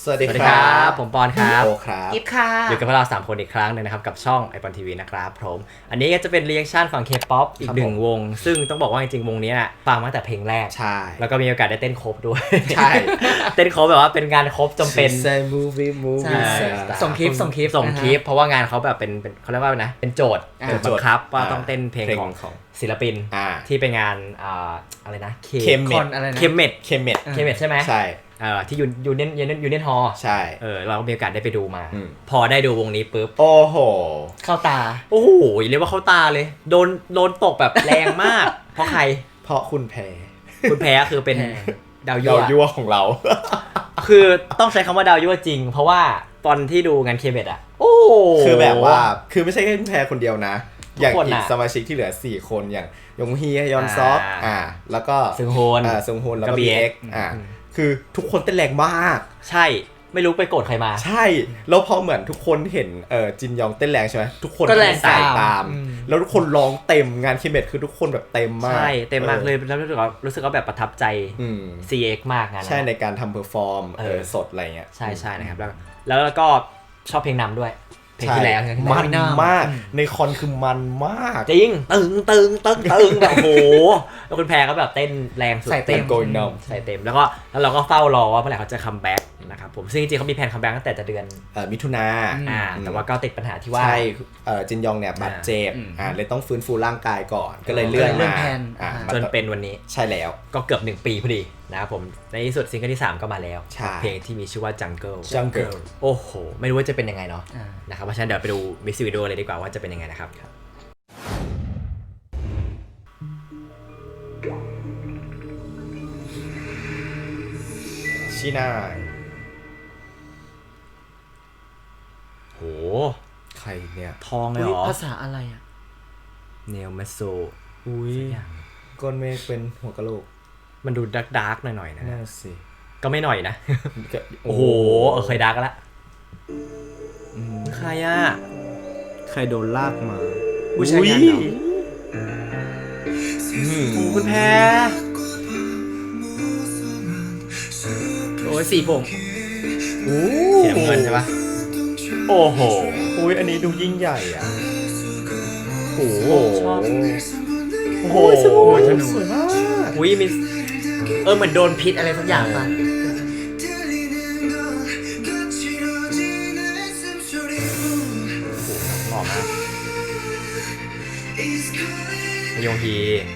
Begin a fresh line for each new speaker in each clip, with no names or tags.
สวัสดีครับ
ผมปอนครับ
โอครับ
กิ๊บค่ะ
อยู่กับพวกเรา3คนอีกครั้งนึงนะครับกับช่อง iPhone TV นะครับผมอันนี้ก็จะเป็นรีแอคชั่นฝั่ง K-POP อีกหนึ่งวงซึ่งต้องบอกว่าจริงๆวงนี้ฟังมาตั้งแต่เพลงแรก
ใช่
แล้วก็มีโอกาสได้เต้นครบด้วย
ใช่
เต้นครบแบบว่าเป็นงานครบจำเป็น
movie
ส่งคลิป
เพราะว่างานเขาแบบเป็นเขาเรียกว่านะเป็นโจทย์บังคับว่าต้องเต้นเพลงของศิลปินที่เป็นงานอะไรนะ
เคมเมด
ใช่ไหม
ใช่
ที่ยูเนียนฮอล
ใช่
เราก็มีโอกาสได้ไปดูมาพอได้ดูวงนี้ปุ๊บ
โอ้โห
เข้าตา
โอ้โหเรียกว่าเข้าตาเลยโดนตกแบบแรงมากเพราะใคร
เพราะคุณแพ
รคือเป็นดาว
ยั่วของเรา
คือต้องใช้คำว่าดาวยั่วจริงเพราะว่าตอนที่ดูงานเคเบตโอ้
คือแบบว่าคือไม่ใช่แค่คุณแพรคนเดียวนะอย่างอีกสมาชิกที่เหลือ4คนอย่างยงฮียอนซอกแล้วก็
ซึง
โฮนแล้วก็ BX คือทุกคนเต้นแรงมาก
ใช่ไม่รู้ไปโกรธใครมา
ใช่แล้วพอเหมือนทุกคนเห็นจินยองเต้นแรงใช่ไหมทุกคน
ก็แรง
ตามแล้วทุกคนร้องเต็มงานคิมเมทคือทุกคนแบบเต็มมาก
ใช่เต็มมากเลยแล้วรู้สึกว่าแบบประทับใจ CX มากงาน
ใช่ในการทำเพอร์ฟอร์มสดอะไรเงี้ย
ใช่นะครับแล้วก็ชอบเพลงนำด้วยเพลงที่แล้ว
มันมากในคอนคือมันมาก
จริงตึงแบบโหแล้วคุณแพรก็แบบเต้นแรงสุด
ใส่เต็ม
ใส่เต็มแล้วเราก็เฝ้ารอว่าเมื่อไหร่เขาจะคัมแบ็กนะครับผมซึ่งจริงๆเขามีแผนคัมแบ็กตั้งแต่จะเดือน
มิถุนา
แต่ว่าก็ติดปัญหาที่ว่า
ใช่จินยองเนี่ยบาดเจ็บเลยต้องฟื้นฟูร่างกายก่อนก็เลยเลื่อนมา
จนเป็นวันนี้
ใช่แล้ว
ก็เกือบ1 ปีพอดีนะครับผมในที่สุดซิงเกิลที่3ก็มาแล้วเพลงที่มีชื่อว่า Jungle โอ้โหไม่รู้ว่าจะเป็นยังไงเนาะนะครับเพราะฉะนั้นเดี๋ยวไปดูมิวสิกวิดีโอเลยดีกว่าว่าจะเป็นยังไงนะครับ
ชิน่า
โห
ใครเนี่ย
ทองเลยเหรอ
ภาษาอะไรอ่ะ
เนลเมโซ
อุ้ยก้อนเมฆเป็นหัวกะโหลก
มันดูดาร์กหน่อยๆนะ
น่าสิ
ก็ไม่หน่อยนะโอ้โหเคยดาร์กแล้วใครอ่ะ
ใครโดนลากมา
ผู้ชายงานเหรอ
คุณแพร
โอ้ยสีผม
เสียเงินใช่ปะโอ้โห
อุ้ยอันนี้ดูยิ่งใหญ่อ่ะ
โอ้โห
ชอบ
โอ้โหสวยมาก
อุ้ยมี
เหมือนโดนพิษอะไรสักอย่างป่ะ
หล่อมากยงฮี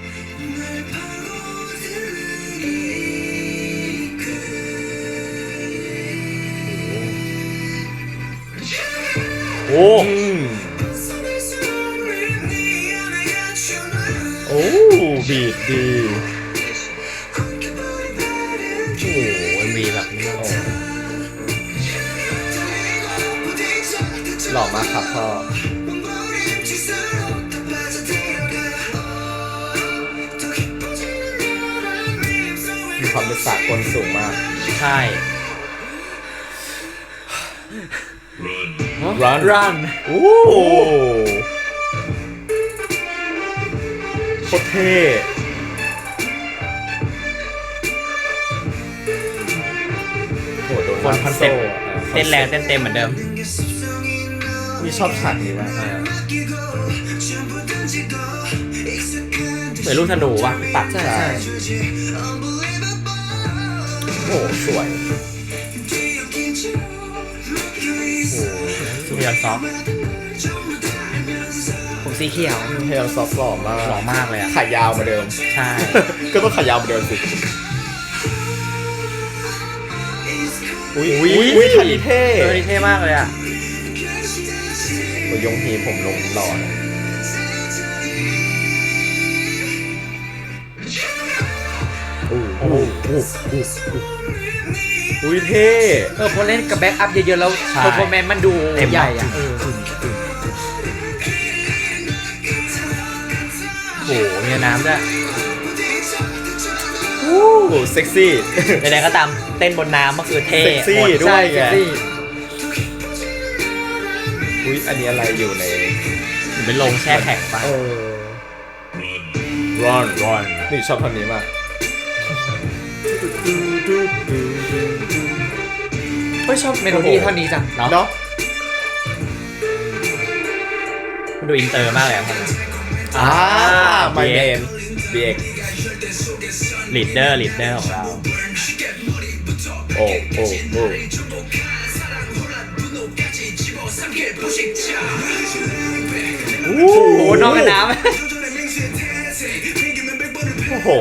โอ้
บีดดี
โอ้มีแบบนี้
หล่อมากครับพ่อมีความเป็นสากลสูงมาก
ใช่
run โอ้โคตรเท่โหโดน
คนคอนเซ็ปต์เต้นแรงเต้นเต็มเหมือนเดิม
นี่ชอบฉากนี้มาก
เหมือนลูกธนูว่ะตัด
ใช่
โอ้สวย
ซูเปอร์ซอฟ
ผมสีเขียว
เฮลซอฟหล่อ
มากเลยอ่ะ
ขายาวมาเดิม
ใช่
ก็ต้องขายาวมาเดิมสิอุ้ยท่านี้เท่
มากเลยอ่ะ
ยงฮีผมลงหล่ออุ้ยเท่
พอเล่นกับแบ็กอัพเยอะๆแล้วเพอร์ฟอร์แมนซ์มันดูใหญ่อ่ะ
โอ้โหมีน้ำด้วย
เซ็กซี่
ใดๆก็ตามเต้นบนน้ำก็คือเท่
เซ็กซี่ด้วยไงอุ้ยอันนี้อะไรอยู่ใน
เป็นโรงแช่แข็งป่ะ
run นี่ชอบท่อนนี้มาก
เ
ฮ้ยชอบเมโลดี้ท่อนนี้จัง
เนาะ
มันดูอินเตอร์มากเลยครับ
ไมเมนเบียก
ลีดเดอร์ของเรา
โอ้โอ้โอ้
โอ้โหนอกกันน้ำ
โอ้โห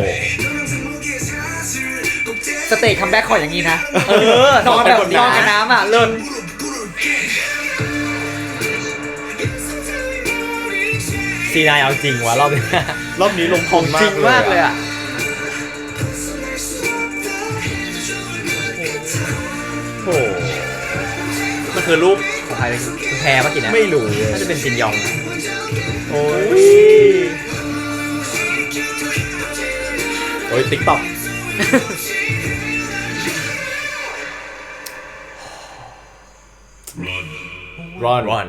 สเตจคัมแบ็คขออย่างนี้นะนอนแบบนอนกันน้ำอ่ะเลิศ
ซีนายเอาจริงวะรอบนี้
รอบนี้ลงพงมาก
จริงมากเลยอ่ะ
โอ้โห
มันคือรูปของใครคือแพรปะกินนะ
ไม่รู้เลย
น่าจะเป็นจินยองนะ
โอ้ยติ๊กต็อกรอน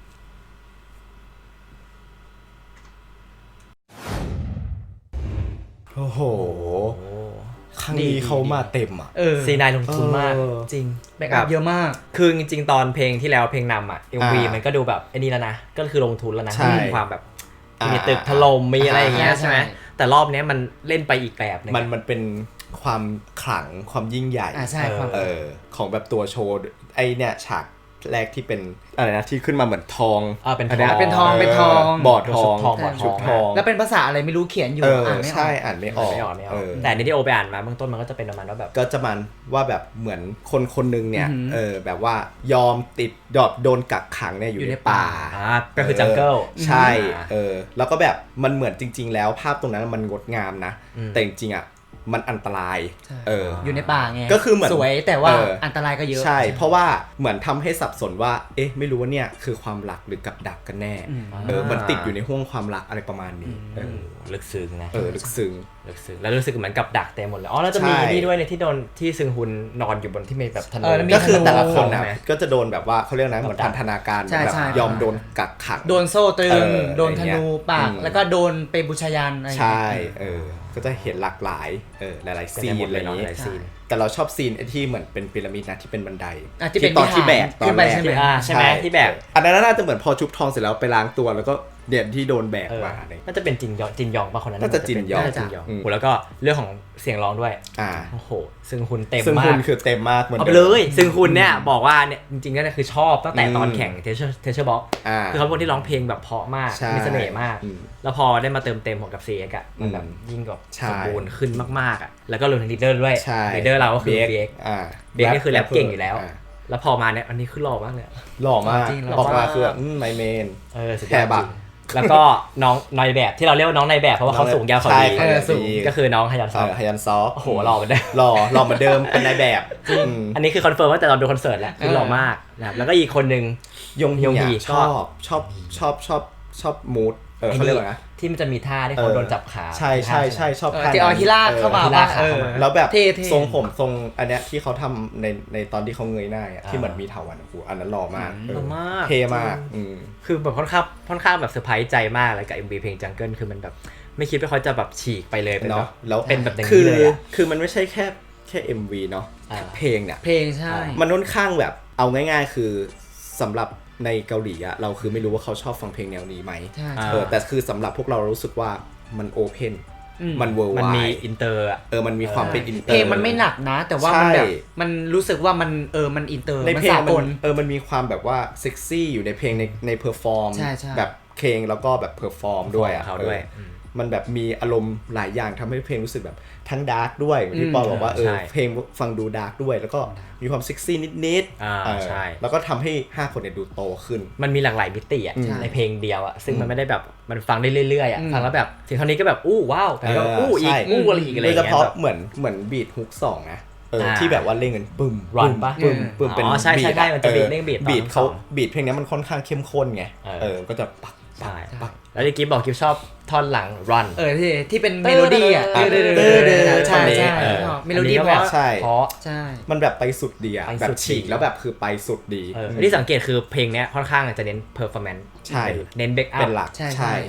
โอ้โหครั้งนี้เขามาเต็มอ่ะ
ซีนายลงทุนมากจริง
แบ็คอัพเยอะมาก
คือจริงๆตอนเพลงที่แล้วเพลงนำอ่ะ MV มันก็ดูแบบไอ้นี่แล้วนะก็คือลงทุนแล้วนะ
ใช่
มีความแบบมีตึกถล่มมีอะไรอย่างเงี้ย
ใช่
ใช่ไหมแต่รอบนี้มันเล่นไปอีกแบบนึง
มันเป็นความขลังความยิ่งใหญ่
ใช่ความ
ของแบบตัวโชว์ไอเนี่ยฉากแรกที่เป็นอะไรนะที่ขึ้นมาเหมือนทอง
เป็น
เป็นทองเป็นทอง
บอดทอง
ชุดทอง
แล้วเป็นภาษาอะไรไม่รู้เขียนอยู่อ่านไม่ออก
ใช่อ่านไม่ออก
ไม่ออกแต่ในที่โอไปอ่านมาเบื้องต้นมันก็จะเป็นประมาณว่าแบบ
ก็จะมันว่าแบบเหมือนคนคนนึงเนี่ยแบบว่ายอมติดโดนกักขังเนี่ยอยู่ในป่า
ก็คือจังเกิล
ใช่แล้วก็แบบมันเหมือนจริง ๆ แล้วภาพตรงนั้นมันงดงามนะแต่จริงๆอ่ะมันอันตราย
อยู่ในป่าไง
ก็คือเหมือน
สวยแต่ว่าอันตรายก็เยอะ
ใช่เพราะว่าเหมือนทำให้สับสนว่าเอ๊ะไม่รู้ว่าเนี่ยคือความรักหรือกับดักกันแน่มันติดอยู่ในห้วงความรักอะไรประมาณนี้
ลึกซึ้งนะ
ลึกซึ้ง
แล้วรู้สึกเหมือนกับดักเต็มหมดเลยแล้วจะมีนี่ด้วยในที่โดนที่ซึงฮุนนอนอยู่บนที่มีแบบถนน
ก็คือแต่ละคนนะก็จะโดนแบบว่าเขาเรียกนะเหมือนพันธนาการแบบยอมโดนกักขัง
โดนโซ่ตรึงโดนธนูปากแล้วก็โดนเปบูชายันอะไร
ใช่ก็จะเห็นหลากหลายหลายๆซีนอะไรอย่างนี้แต่เราชอบซีนที่เหมือนเป็นพีระมิดนะที่เป็นบันไดที่ตอนที่แบกตอนแรก
ใช่ไหมที่แบก
อันนั้นน่าจะเหมือนพอชุบทองเสร็จแล้วไปล้างตัวแล้วก็เด่นที่โดนแบกมา
น่าจะเป็นจินยองป่ะคนนั้น
น่าจะจินยอง
แล้วก็เรื่องของเสียงร้องด้วยโอ้โหซึ่งคุณเต็มมาก
ซึ่งคุณคือเต็มมากเหมือน
เอาไปเลยซึ่งคุณเนี่ยบอกว่าเนี่ยจริงๆก็คือชอบตั้งแต่ตอนแข่งเทเชอร์บ็อกคือเขาเป็นคนที่ร้องเพลงแบบเพราะมากมีเสน่ห์มากแล้วพอได้มาเติมเต็มของกับเซียกอะมันแบบยิ่งกว่าสมบูรณ์ขึ้นมากๆอะแล้วก็รวมถึงลีดเดอร์ด้วยลีดเดอร์เราก็คือเบคนี่คือแรปเก่งอยู่แล้วแล้วพอมาเนี่ยอันนี้คือหล่อมากเลย
หล่อมากออกมาคือไมเมนแค่บัก
แล้วก็น้องนายแบบที่เราเรียกว่าน้องนายแบบเพราะว่าเขาสูงยาวเขาดีก็คือน้องฮยัน
ซอฟ
โอ้โหหล่อเหมือนเดิม
หล่อเหมือนเดิมเป็นนายแบบ
อันนี้คือคอนเฟิร์มว่าแต่ตอนดูคอนเสิร์ตแหละคือหล่อมากนะครับแล้วก็อีกคนนึง
ยงฮีชอบมูดเขาเรียกว่าไง
ที่มันจะมีท่าที่เขาโดนจับขา
ใช่ชอบท่า
ที่เอาที่ลากเข้ามา
แล้วแบบทรงผมทรงอันเนี้ยที่เขาทำในตอนที่เขาเงยหน้าที่เหมือนมีเถาวัลย์อันนั้นหล่อมากเท่มาก
คือแบบค่อนข้างแบบเซอร์ไพรส์ใจมากเลยกับ MV เพลง Jungle คือมันแบบไม่คิดว่าเขาจะแบบฉีกไปเลย
เนาะ
แล้วเป็นแบบอย่างนี้เลย
คือมันไม่ใช่แค่ MV เนาะเพลงเนี่ย
เพลงใช่
มันค่อนข้างแบบเอาง่ายๆคือสำหรับในเกาหลีอะเราคือไม่รู้ว่าเขาชอบฟังเพลงแนวนี้ไหมแต่คือสำหรับพวกเรารู้สึกว่ามันโอเพนมันเวิร์ลไวด์
มันมีอินเตอร์
มันมีความเป็นอินเตอร์
เพลงมันไม่หนักนะแต่ว่ามันแบบมันรู้สึกว่ามันมันอินเตอร์
ในเพลงมันมีความแบบว่าเซ็กซี่อยู่ในเพลงในเพอร์ฟอร์มแบบเพลงแล้วก็แบบเพอร์ฟอร์มด้วยอะมันแบบมีอารมณ์หลายอย่างทำให้เพลงรู้สึกแบบทั้งดาร์กด้วยที่ปอบอกว่าเพลงฟังดูดาร์กด้วยแล้วก็มีความเซ็กซี่นิด
ๆใช่
แล้วก็ทำให้5คนเนี่ยดูโตขึ้น
มันมีหลากหลายมิติในเพลงเดียวซึ่งมันไม่ได้แบบมันฟังได้เรื่อยๆฟังแล้วแบบถึงเท่านี้ก็แบบอู้ว้าวแต่ก็อู้อีกอู้อะไรอีกอะไรอย่างเงี้ย
โดยเฉพาะเหมือนบีทฮุก2นะที่แบบว่าเล่นกันปึ้ม
รันป่ะ
ปึ้มเป็น
ใช่มันจะเล่น
บีทเขาบีทเพลงนี้มันค่อนข้างเข้มข้นไงก็จะปัก
แล้วกิ๊บบอกกิ๊บชอบท่อนหลัง run
ที่เป็นเมโลดี้อ่ะใช่เมโลดี้เพราะใช่
มันแบบไปสุดดีอ่ะแบบฉีกแล้วแบบคือไปสุดดี
ที่สังเกตคือเพลงเนี้ยค่อนข้างจะเน้น performance
ใช่
เน้น back up
เป็นหลักใช่
เยอะ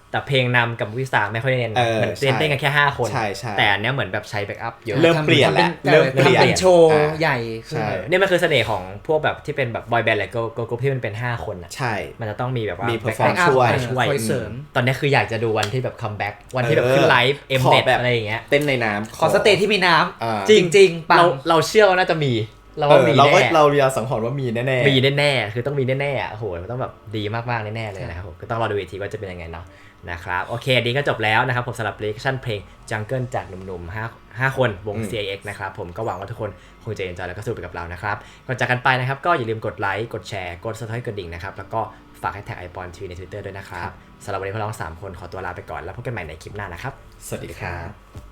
แต่เพลงนำกับวิสาไม่ค่อยเน้นมันเต้นกันแค่5คนแต่อันเนี้ยเหมือนแบบใช้แบ็กอัพเยอะ
เริ่มเปลี่ยนแล้วเริ่มเปลี่ยน
เป็นโชว์ใหญ่
นี่มันคือเสน่ห์ของพวกแบบที่เป็นแบบบอยแบนด์หรือเกิร์ลกรุ๊ปที่มันเป็น5คนอ่ะ
ใช่
มันจะต้องมีแบบว่า
มีเพอร์ฟอร์มช่
วยเสริม
ตอนนี้คืออยากจะดูวันที่แบบคัมแบ็กวันที่แบบขึ้นไลฟ์เอ็มเน็ตอะไรอย่างเงี้ย
เต้นในน้ำ
ขอสเตจที่มีน้ำจริง
เราเชื่อว่าน่าจะมี
เราสังหรณ์ว่ามีแน่
ๆมีแน่ๆคือต้องมีแน่ๆโอ้โหมันต้องแบบดีมากๆแน่ๆเลยนะครับผมก็ต้องรอดูอีกทีว่าจะเป็นยังไงเนาะนะครับโอเคดีก็จบแล้วนะครับผมสำหรับรีแอคชั่นเพลง Jungle จากหนุ่มๆ5คนวง CIX นะครับผมก็หวังว่าทุกคนคงจะเอนจอยแล้วก็สนุกไปกับเรานะครับก่อนจากกันไปนะครับก็อย่าลืมกดไลค์กดแชร์กด Subscribe กดดิ่งนะครับแล้วก็ฝาก#ไอปอนทีใน Twitter ด้วยนะครับสำหรับวันนี้พวกเรา3คนขอตัวลาไปก่อนแล้วพบกันใหม่ในคลิปหน้านะครับ
สวัสดีครับ